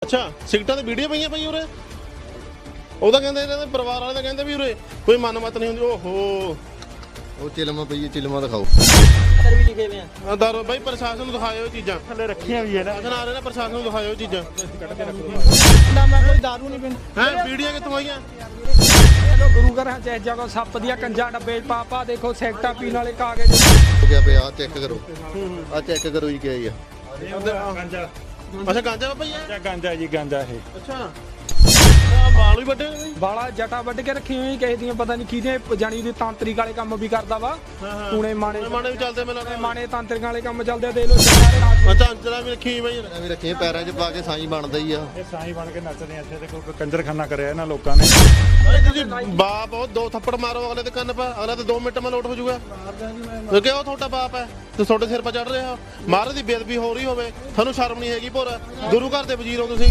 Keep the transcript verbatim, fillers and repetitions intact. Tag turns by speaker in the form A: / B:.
A: ਅੱਛਾ ਸਿਗਟਾਂ ਤੇ ਵੀਡੀਓ ਪਈਆਂ ਪਈ ਉਰੇ ਉਹਦਾ ਕਹਿੰਦੇ ਇਹਨਾਂ ਦੇ ਪਰਿਵਾਰ ਵਾਲੇ ਤਾਂ ਕਹਿੰਦੇ ਵੀ ਉਰੇ ਕੋਈ ਮਨਮਤ ਨਹੀਂ ਹੁੰਦੀ। ਓਹੋ
B: ਉਹ ਚਿਲਮਾ ਪਈ ਚਿਲਮਾ ਦਿਖਾਓ
C: ਅੰਦਰ ਵੀ ਲਿਖੇ ਹੋਏ ਆ
A: ਦਰ ਬਾਈ ਪ੍ਰਸ਼ਾਸਨ ਨੂੰ ਦਿਖਾਇਓ ਚੀਜ਼ਾਂ
D: ਥੱਲੇ ਰੱਖੀਆਂ ਵੀ ਹੈ ਨਾ
A: ਅਖਨਾਰੇ ਨਾਲ ਪ੍ਰਸ਼ਾਸਨ ਨੂੰ ਦਿਖਾਇਓ ਚੀਜ਼ਾਂ
C: ਨਾ ਮੈਂ ਕੋਈ ਦਾਰੂ ਨਹੀਂ ਪੀਂਦਾ
A: ਹੈ ਵੀਡੀਓ ਕਿੱਥੋਂ ਆਈਆਂ
E: ਚਲੋ ਗੁਰੂ ਘਰਾਂ ਚ ਜਗ੍ਹਾ ਸੱਪ ਦੀਆਂ ਕੰਜਾਂ ਡੱਬੇ ਪਾਪਾ ਦੇਖੋ ਸੈਕਟਾ ਪੀਣ ਵਾਲੇ ਕਾਗਜ਼
B: ਹੋ ਗਿਆ ਪਿਆ ਚੈੱਕ ਕਰੋ ਆ ਚੈੱਕ ਕਰੋ ਜੀ ਕੀ ਆ
D: ਗਾਂਜਾ
A: ਅੱਛਾ ਗਾਂਜਾ ਬਾਬਾ ਜੀ
D: ਜਾਂ ਗਾਂਜਾ ਜੀ ਗਾਂਜਾ ਇਹ
A: ਅੱਛਾ ਬਾਲ ਵੀ ਵੱਡੇ ਨੇ
E: ਵਾਲਾ ਜਟਾ ਵੱਢ ਕੇ ਰੱਖੀ ਹੋਈ ਕਿਸੇ ਦੀਆਂ ਪਤਾ ਨਹੀਂ ਕਿਹਦੇ ਜਾਣੀ ਦੀ ਤਾਂਤਰਿਕ ਵਾਲੇ ਕੰਮ ਵੀ ਕਰਦਾ ਵਾ ਟੂਣੇ ਮਾਣੇ
A: ਮਾਣੇ ਵੀ ਚੱਲਦੇ ਮੈਨੂੰ ਲੱਗਦਾ
E: ਮਾਣੇ ਤਾਂਤਰਿਕਾਂ ਵਾਲੇ ਕੰਮ ਚੱਲਦੇ ਆ, ਦੇਖ ਲਓ ਸਾਰੇ ਰਾਤ
A: ਅੱਛਾ ਅੰਚਲਾ ਵੀ ਰੱਖੀ ਬਾਈ
B: ਇਹਨਾਂ ਵੀ ਰੱਖੀਆਂ ਪੈਰਾਂ 'ਚ ਪਾ ਕੇ ਸਾਈ ਬਣਦਾ ਹੀ ਆ
D: ਇਹ ਸਾਈਂ ਬਣ ਕੇ ਨੱਚਦੇ ਆ ਇੱਥੇ ਤੇ ਕੋਈ ਕੰਜਰਖਾਨਾ ਕਰਿਆ ਇਹਨਾਂ ਲੋਕਾਂ ਨੇ
A: ਅਰੇ ਤੁਸੀਂ ਬਾਪ ਉਹ ਦੋ ਥੱਪੜ ਮਾਰੋ ਅਗਲੇ ਦੇ ਕੰਨ ਪਾ ਅਗਲਾ ਤੇ ਦੋ ਮਿੰਟ ਮੈਂ ਲੋਟ ਹੋ ਜਾਊਗਾ ਕਿਉਂਕਿ ਉਹ ਤੁਹਾਡਾ ਬਾਪ ਹੈ ਤੇ ਤੁਹਾਡੇ ਸਿਰ 'ਤੇ ਚੜ ਰਿਹਾ ਮਹਾਰਾਜ ਦੀ ਬੇਅਦਬੀ ਹੋ ਰਹੀ ਹੋਵੇ ਤੁਹਾਨੂੰ ਸ਼ਰਮ ਨਹੀਂ ਹੈਗੀ ਭੋਰਾ ਗੁਰੂ ਘਰ ਦੇ ਵਜ਼ੀਰ ਹੋ ਤੁਸੀਂ